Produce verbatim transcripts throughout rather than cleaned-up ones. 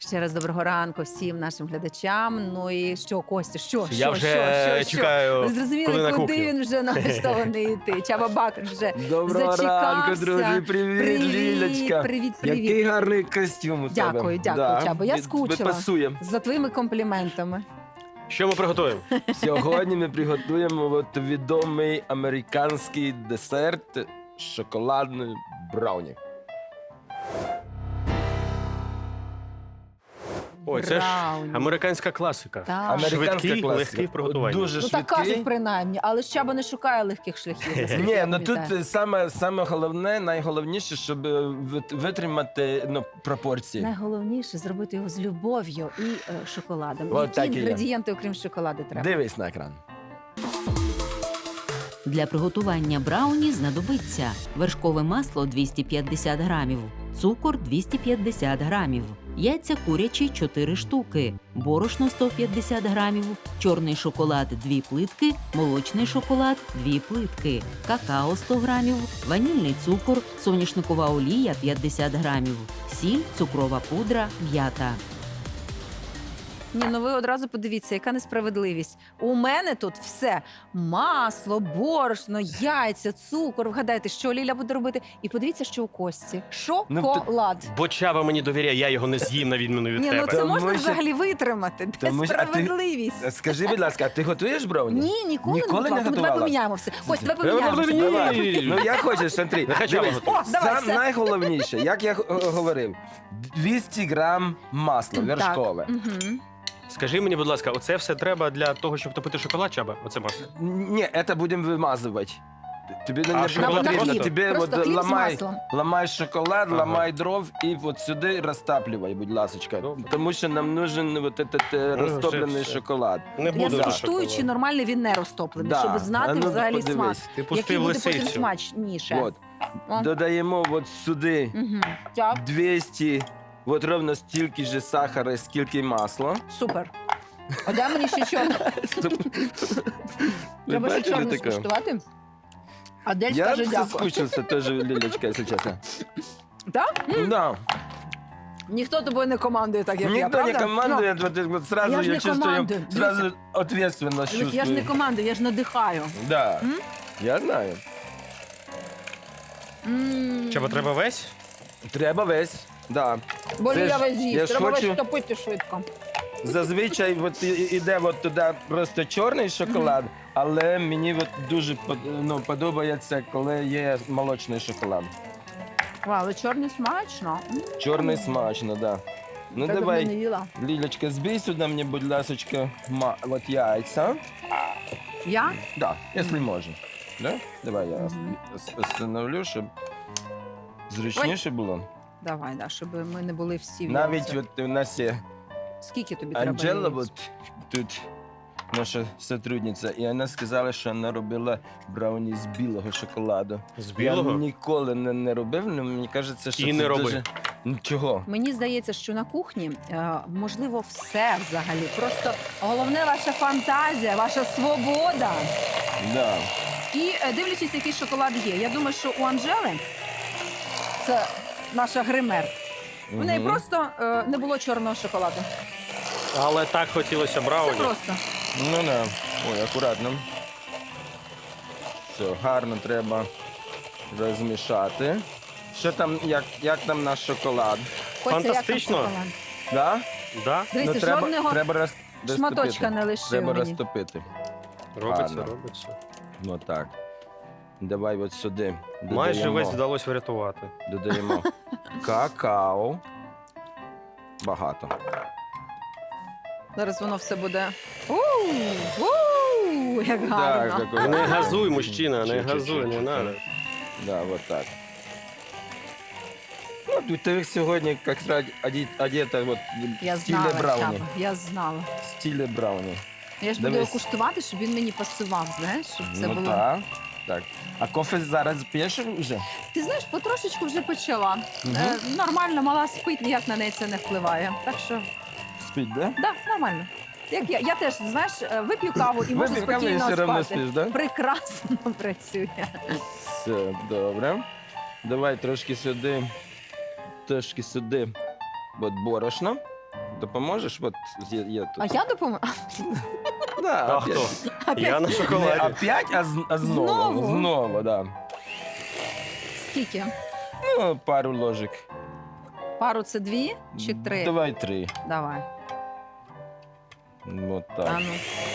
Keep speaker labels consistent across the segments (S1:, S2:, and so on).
S1: Ще раз доброго ранку всім нашим глядачам. Ну і що, Костя, що,
S2: Я
S1: що,
S2: вже
S1: що, що,
S2: чекаю,
S1: Ви
S2: коли
S1: зрозуміли,
S2: на
S1: куди
S2: кухню.
S1: він вже налаштований йти? Чаба Бакр вже
S3: Доброго
S1: зачекався.
S3: ранку, друзі. Привіт,
S1: Привіт,
S3: Лілечка.
S1: привіт, привіт.
S3: Який гарний костюм у тебе.
S1: Дякую, дякую, Чабо. Я
S3: ми-
S1: скучила.
S3: Ми пасуємо.
S1: За твоїми компліментами.
S2: Що ми приготуємо?
S3: Сьогодні ми приготуємо от відомий американський десерт шоколадний брауні.
S2: Ой, це ж
S1: Брауні.
S2: американська класика.
S1: Так.
S3: Американська
S2: Швидкий,
S3: класика.
S2: легкий в приготуванні.
S3: Дуже
S1: Ну так
S3: швидкий.
S1: кажуть принаймні, але ж Чаба не шукає легких шляхів. наскільки
S3: Ні,
S1: я
S3: ну тут
S1: пам'ятаю.
S3: саме, саме головне, найголовніше, щоб е, вит- витримати ну, пропорції.
S1: Найголовніше зробити його з любов'ю і е, шоколадом.
S3: От
S1: Які
S3: так і є.
S1: інгредієнти, окрім шоколаду, треба?
S3: Дивись на екран.
S4: Для приготування брауні знадобиться вершкове масло двісті п'ятдесят грамів, цукор двісті п'ятдесят грамів, яйця курячі чотири штуки, борошно сто п'ятдесят грамів, чорний шоколад дві плитки, молочний шоколад дві плитки, какао сто грамів, ванільний цукор, соняшникова олія п'ятдесят грамів, сіль, цукрова пудра, м'ята.
S1: Ні, ну ви одразу подивіться, яка несправедливість. У мене тут все: масло, борошно, яйця, цукор. Вгадайте, що Ліля буде робити. І подивіться, що у Кості.
S3: Ну,
S1: Шоколад.
S2: Бо Чаба мені довіряє, я його не з'їм на відміну від
S1: Ні, ну
S2: тебе.
S1: це
S3: Тому
S1: можна
S3: що-
S1: взагалі витримати. Де
S3: Тому що- а ти-
S1: справедливість?
S3: Скажи, будь ласка, а ти готуєш брауні?
S1: Ні, ніколи,
S3: Ніколи
S1: не
S3: не
S1: готувала. Тому Давай
S3: готувала?
S1: поміняємо все. Кость, давай
S2: Давай
S1: поміняємо.
S2: поміняємо.
S1: все.
S2: Ні.
S3: Ну я хочу, смотри.
S2: Нехай Чаба
S3: Дивись,
S2: готує.
S1: О, давай,
S3: сам
S1: все.
S3: найголовніше, як я г- говорив, двісті грам масла вершкове.
S1: Угу.
S2: Скажи мені, будь ласка, оце все треба для того, щоб топити шоколад, Чаба? Оце масло?
S3: Ні, це будемо вимазувати. Тобі не,
S2: А
S3: не
S2: шоколад
S3: потрібно.
S2: просто?
S3: Тобі
S1: Просто
S3: от
S1: хліб з
S3: ламай,
S1: маслом.
S3: ламай шоколад,
S2: Ага.
S3: ламай дров і от сюди розтаплювай, будь ласка.
S2: Добре.
S3: Тому що нам нужен от этот е,
S2: Ну,
S3: розтоплений
S2: вже все.
S3: шоколад.
S2: Не
S1: Я
S2: буду
S1: скуштую, чи
S2: шоколад.
S1: нормальний він не розтоплений,
S3: Да.
S1: щоб знати
S3: А ну,
S1: взагалі
S3: подивись.
S1: смак.
S2: Ти
S1: Який
S2: пустив
S1: буде потім
S2: лисицю.
S1: смачніше.
S3: От.
S1: О.
S3: Додаємо от сюди
S1: Угу. Так,
S3: двісті, от ровно стільки ж сахара, скільки масла.
S1: супер. А дай мені ще чорне.
S3: Ви
S1: Треба ще
S3: бачили
S1: чорне
S3: таке?
S1: скуштувати. Адель
S3: Я
S1: скаже дякую.
S3: соскучився теж, Лілечка, якщо чесно.
S1: Так?
S3: Да.
S1: Ніхто тобою не командує так, як я,
S3: Никто
S1: правда?
S3: не командует, вот, вот сразу
S1: Я
S3: я,
S1: ж не
S3: чувствую,
S1: командую.
S3: сразу ответственность
S1: Ну,
S3: чувствую.
S1: я ж не командую, я ж надихаю.
S3: Да,
S1: М?
S3: я знаю.
S1: М.
S2: Чаба, треба весь?
S3: Треба весь, да.
S1: Бо
S3: Це
S1: Ліля
S3: ж-
S1: весь
S3: я
S1: їсть,
S3: ж
S1: треба
S3: хочу-
S1: весь топити швидко.
S3: Зазвичай от, і- іде от туди просто чорний шоколад, але мені от дуже под- ну, подобається, коли є молочний шоколад.
S1: Вау, але чорний смачно. М.
S3: Чорний смачно, да. Ну
S1: Так давно не
S3: давай,
S1: їла.
S3: Лілечка, збій сюди мені, будь ласочка, ма- от яйця.
S1: Я?
S3: Да, якщо можна. Да? Давай я
S1: Мгм.
S3: ос- остановлю, щоб зручніше було.
S1: Давай, да, щоб ми не були всі в
S3: Навіть
S1: яйцях.
S3: от у нас є
S1: Скільки тобі треба
S3: Анджела,
S1: яєць?
S3: от тут наша сотрудниця, і вона сказала, що вона робила брауні з білого шоколаду.
S2: З
S3: Я
S2: білого?
S3: ніколи не, не робив, але мені кажеться, що
S2: І
S3: це
S2: не роби.
S3: дуже... Нічого.
S1: Мені здається, що на кухні е, можливо все взагалі. Просто головне ваша фантазія, ваша свобода.
S3: Да.
S1: І е, дивлячись, який шоколад є. Я думаю, що у Анжели це наша гример. У неї
S3: Мгм.
S1: просто е, не було чорного шоколаду.
S2: Але так хотілося
S1: Це
S2: брауні.
S1: просто.
S3: Ну да. Ой, акуратно. Все, гарно треба розмішати. Що там, як, як там наш шоколад?
S1: Костя, як там
S2: Фантастично.
S1: шоколад?
S3: Да?
S2: Да?
S1: Дивіться,
S3: треба,
S1: жодного
S3: треба роз,
S1: шматочка
S3: розтопити.
S1: не лишив
S3: Треба
S1: мені.
S3: розтопити.
S2: Робиться,
S3: Ладно.
S2: робиться.
S3: Ну так. Давай от сюди.
S2: Майже
S3: додаємо-
S2: весь вдалося врятувати.
S3: Додаємо какао. Багато.
S1: Зараз воно все буде. У-у-у, як гарно.
S3: Так, такой-
S2: Не газуй, мужчина, не
S3: Чуть-чуть,
S2: газуй, не
S3: чуть-чуть.
S2: надо.
S3: Да, вот так. Ну, тут ти сьогодні, як сказати, оді- одета вот
S1: Я
S3: в стилі
S1: знала,
S3: брауні.
S1: Чаба, я знала.
S3: В стилі брауні.
S1: Я ж буду його
S3: Дивись.
S1: куштувати, щоб він мені пасував, знаєш, щоб це
S3: ну,
S1: було.
S3: так, так. А кофе зараз п'єш вже?
S1: Ти знаєш, потрошечку вже почала.
S3: Мгм.
S1: Е, нормально, мала спить, ніяк на неї це не впливає. Так що,
S3: Спить, да?
S1: да, нормально. Як я, я теж, знаєш, е, вип'ю каву і можу
S3: Випив каву і
S1: спокійно
S3: все одно
S1: спати.
S3: спиш, да?
S1: Прекрасно працює.
S3: Все, добре. Давай трошки сюди, трошки сюди от борошно. допоможеш? От є, є тут.
S1: А я допоможу?
S3: Да,
S2: А
S3: опять.
S2: хто? Я на
S3: Не
S2: шоколаді.
S3: опять, а, з- а знову.
S1: Знову?
S3: Знову, да.
S1: Скільки?
S3: Ну, пару ложек.
S1: Пару це дві чи три?
S3: Давай три.
S1: Давай.
S3: Вот
S1: А
S3: так.
S1: ну.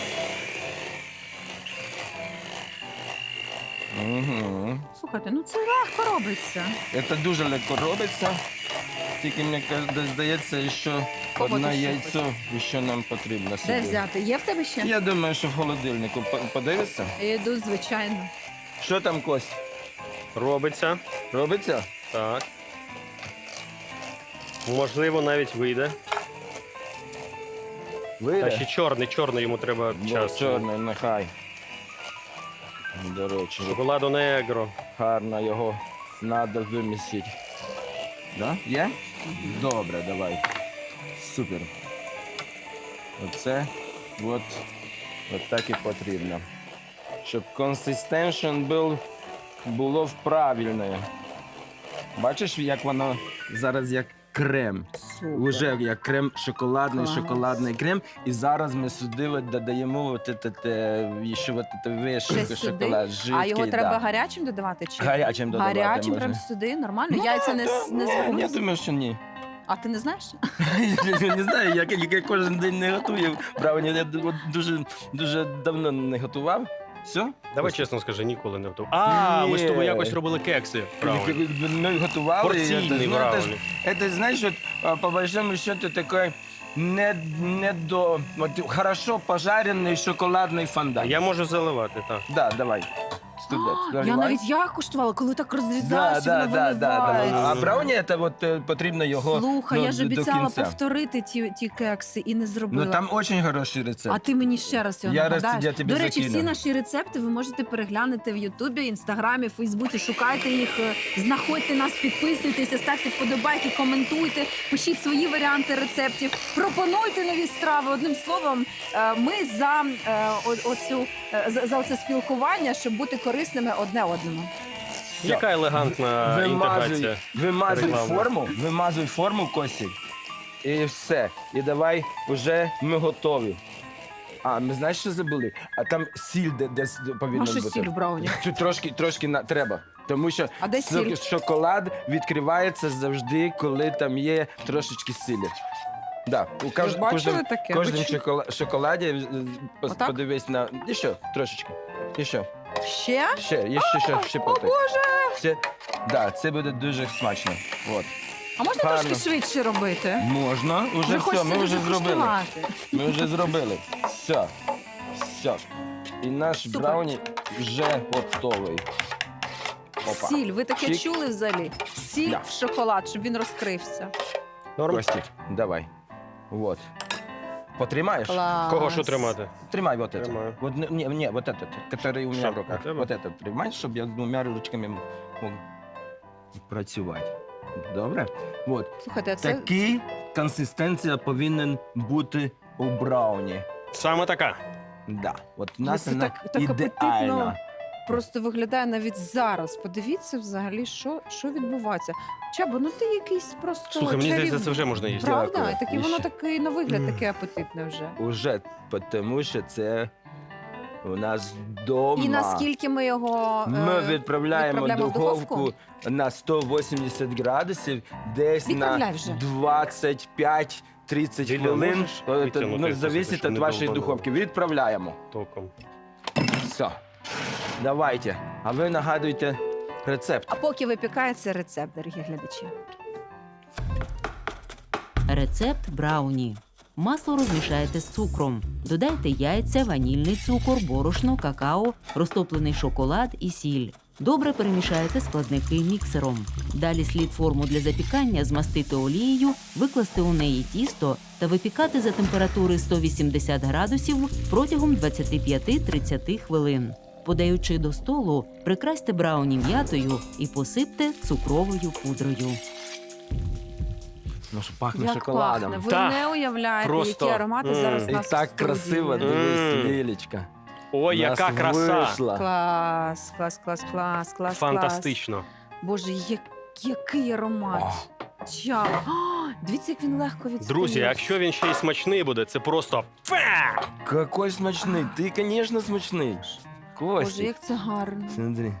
S3: Угу.
S1: Слухайте, ну це легко робиться.
S3: Це дуже легко робиться. Тільки мені каже- здається, що
S1: Кого
S3: одне
S1: ти ще
S3: яйцо ще нам потрібно собі.
S1: Де взяти? Є в тебе ще?
S3: Я думаю, що в холодильнику. По- Подивишся?
S1: Я йду, звичайно.
S3: Що там, Кость?
S2: Робиться.
S3: Робиться?
S2: Так. Можливо, навіть вийде.
S3: Вийде?
S2: А ще чорний, чорний йому треба
S3: Ну,
S2: час.
S3: чорний, нехай. До речі,
S2: Шоколадо негро.
S3: гарно його треба вимісити. Да? Є? Добре, давай. Супер. Оце от, от так і потрібно. Щоб консистеншн був, було правильне. Бачиш, як воно зараз як крем.
S1: Супер.
S3: Уже як крем, шоколадний,
S1: Клас.
S3: шоколадний крем. І зараз ми сюди от додаємо от це, те, ще от це вишивка,
S1: Ще сюди?
S3: шоколад, жидкий.
S1: А його треба
S3: да.
S1: гарячим додавати? Чи?
S3: Гарячим додавати
S1: Гарячим
S3: можна.
S1: прям сюди, нормально?
S3: Ну,
S1: Яйця не,
S3: да,
S1: с- не
S3: ну, Я
S1: зварилися?
S3: думаю, що ні.
S1: А ти не знаєш?
S3: Я не знаю, я, я кожен день не готую. Брауні, я д- дуже, дуже давно не готував. Все?
S2: Давай чесно скажи, ніколи не готував. А, ми з тобою
S3: Ні.
S2: якось робили кекси. Правильно.
S3: Ми готували.
S2: Порційний
S3: ну, це,
S2: брауні.
S3: ж- це, знаєш, от, а, по большому счету, такий не, не до, от, хорошо пожарений шоколадний фондан.
S2: Я можу заливати, так.
S3: Да, давай. Студент,
S1: Я
S3: наливай.
S1: навіть я куштувала, коли так
S3: Да,
S1: розрізаєш, і
S3: да,
S1: воно
S3: да, да, да.
S1: виливається.
S3: А брауні, це от, е, потрібно його
S1: Слухай,
S3: ну,
S1: я ж
S3: до- до
S1: обіцяла
S3: кінця.
S1: повторити ті, ті кекси і не зробила.
S3: Ну там дуже хороший рецепт.
S1: А ти мені ще раз його
S3: Я раз-
S1: нагадаєш.
S3: я тобі
S1: До речі,
S3: закину.
S1: всі наші рецепти ви можете переглянути в Ютубі, Інстаграмі, Фейсбуці. Шукайте їх, е, знаходьте нас, підписуйтеся, ставте вподобайки, коментуйте, пишіть свої варіанти рецептів, пропонуйте нові страви. Одним словом, е, ми за е, о- оцю е, за, за оце спілкування, щоб бути корисними одне одному.
S2: Яка елегантна
S3: Вимазуй,
S2: інтеграція.
S3: вимазуй
S2: рекламна.
S3: форму, вимазуй форму, Костік. І все. І давай вже ми готові. А, ми знаєш, що забули? А там сіль де, десь повинна
S1: Маша
S3: бути.
S1: сіль в брауні.
S3: Тут трошки, трошки на, треба. Тому що
S1: А де сіль?
S3: шоколад відкривається завжди, коли там є трошечки сілі. Да. У кож,
S1: бачили
S3: кожним,
S1: таке?
S3: кожним
S1: Ви чу-
S3: шокола- шоколаді е, пос-
S1: Отак?
S3: подивись на. І що? Трошечки. І що?
S1: Ще?
S3: Ще, є ще, ще, ще
S1: О,
S3: потик.
S1: Боже!
S3: Це, да, це буде дуже смачно. От.
S1: А можна
S3: Гарно.
S1: трошки швидше робити?
S3: Можна, уже все,
S1: хочеться
S3: ми вже
S1: дуже
S3: зробили.
S1: куштувати.
S3: Ми вже зробили. Все. Все. І наш
S1: Супер.
S3: брауні вже готовий. Опа.
S1: Сіль, ви таке
S3: Чик.
S1: чули взагалі? Сіль
S3: Да.
S1: в шоколад, щоб він розкрився.
S2: Норм?
S3: Костік, давай. Вот. Потримаєш?
S1: Клас.
S2: Кого що тримати?
S3: Тримай вот это.
S2: Тримаю.
S3: Вот, не, не, не, вот этот, который у меня
S2: Що,
S3: в руках.
S2: у тебе?
S3: Вот этот тримай, щоб я двома ручками мог працювати. Добре? Вот.
S1: Слухайте, а це
S3: Такий консистенція повинен бути у брауні.
S2: Саме така.
S3: Да. От у
S1: Але
S3: нас
S1: це
S3: вона
S1: так- так
S3: ідеальна.
S1: апетитно. просто виглядає навіть зараз. Подивіться взагалі, що, що відбувається. Чабо, ну ти якийсь просто
S2: Слухай, мені здається,
S1: чарівний.
S2: це вже можна їсти.
S1: Правда?
S3: Дякую.
S1: І таке
S3: І
S1: воно
S3: ще.
S1: такий на вигляд
S2: Мгм.
S1: таке апетитне вже.
S3: Уже, тому що це у нас вдома.
S1: І наскільки ми його е,
S3: Ми відправляємо,
S1: відправляємо в
S3: духовку,
S1: духовку?
S3: на сто вісімдесят градусів, десь
S1: Відправляй
S3: на
S1: вже.
S3: двадцять п'ять тридцять
S2: Ліля,
S3: хвилин.
S2: можеш
S3: Е,
S2: відтягнути
S3: Ну,
S2: це,
S3: зависить
S2: щоб
S3: від
S2: не
S3: вашої
S2: довбануло?
S3: духовки. Відправляємо.
S2: Током.
S3: Все. Давайте. А ви нагадуйте рецепт.
S1: А поки випікається рецепт, дорогі глядачі.
S4: Рецепт брауні. Масло розмішайте з цукром. Додайте яйця, ванільний цукор, борошно, какао, розтоплений шоколад і сіль. Добре перемішайте складники міксером. Далі слід форму для запікання змастити олією, викласти у неї тісто та випікати за температури сто вісімдесят градусів протягом двадцять п'ять тридцять хвилин. Подаючи до столу, прикрасьте брауні м'ятою і посипте цукровою пудрою.
S3: Ну, що пахне
S1: Як
S3: шоколадом.
S1: пахне. Ви
S2: Так.
S1: не уявляєте,
S2: Просто.
S1: які аромати
S2: М.
S1: зараз у
S3: І
S1: нас
S3: так
S1: в студії.
S3: красиво,
S2: Мгм.
S3: дивись, Лілечка.
S2: Ой,
S3: У нас
S2: яка краса!
S3: вийшла.
S1: Клас, клас, клас, клас, клас.
S2: Фантастично.
S1: Клас. Боже, я- який аромат.
S3: О.
S1: Чао. О, Дивіться, як він легко відстає.
S2: Друзі, якщо він ще й смачний буде, це просто фе!
S3: Какой смачний. Ти, звісно, смачний.
S1: Боже,
S3: Костік.
S1: як це гарно.
S3: Смотри.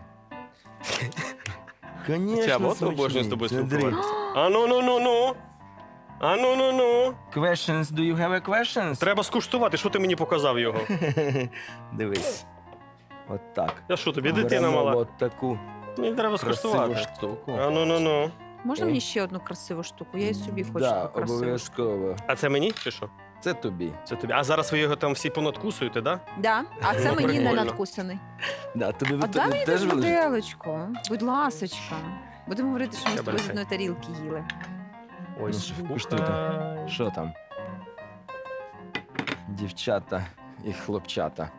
S3: Конечно,
S2: Чаба, от
S3: смачний.
S2: обожнюю з тобою
S3: Смотри.
S2: спілкуватися. А ну ну ну ну. А ну ну ну.
S3: Questions, do you have a questions?
S2: Треба скуштувати, що ти мені показав його.
S3: Дивись. От так.
S2: Я що тобі, дитина
S3: Беремо
S2: мала?
S3: От таку
S2: Мені треба
S3: красиву
S2: скуштувати.
S3: штуку.
S2: А ну ну ну.
S1: Можна
S3: О.
S1: мені ще одну красиву штуку? Я і собі хочу
S3: Да,
S1: таку красиву.
S3: обов'язково.
S2: А це мені чи що?
S3: Це тобі.
S2: Це тобі. А зараз ви його там всі понадкусуєте, да?
S1: Да? А це
S2: О,
S1: мені не
S2: прикольно.
S1: надкусаний.
S3: Да, тобі
S1: А
S3: ви
S1: дай мені
S3: теж
S1: теж
S3: вилежиш?
S1: виделочку. Будь ласочка. Будемо говорити, що ми з
S2: Ще
S1: тобою з
S2: бери.
S1: одної тарілки їли.
S2: Ось.
S3: Ну, що там? Що там? Дівчата і хлопчата.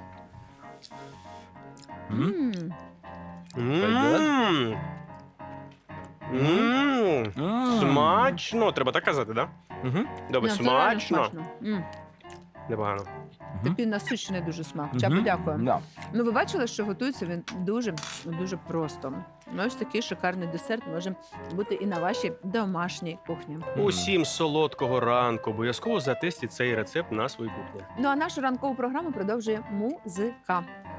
S3: М?
S1: М.
S2: Мм. Мм.
S3: М.
S2: Смачно. Треба так казати, так?
S3: Мгм.
S2: Добре,
S1: Ні, це реально
S2: смачно.
S1: смачно. М.
S2: Непогано.
S1: Такий насичений дуже смак.
S3: Мгм.
S1: Чабо, дякую.
S3: Да.
S1: Ну, ви бачили, що готується він дуже дуже просто. Ну, ось такий шикарний десерт може бути і на вашій домашній кухні.
S2: Усім солодкого ранку. Обов'язково затестіть цей рецепт на своїй кухні.
S1: Ну а нашу ранкову програму продовжує музика.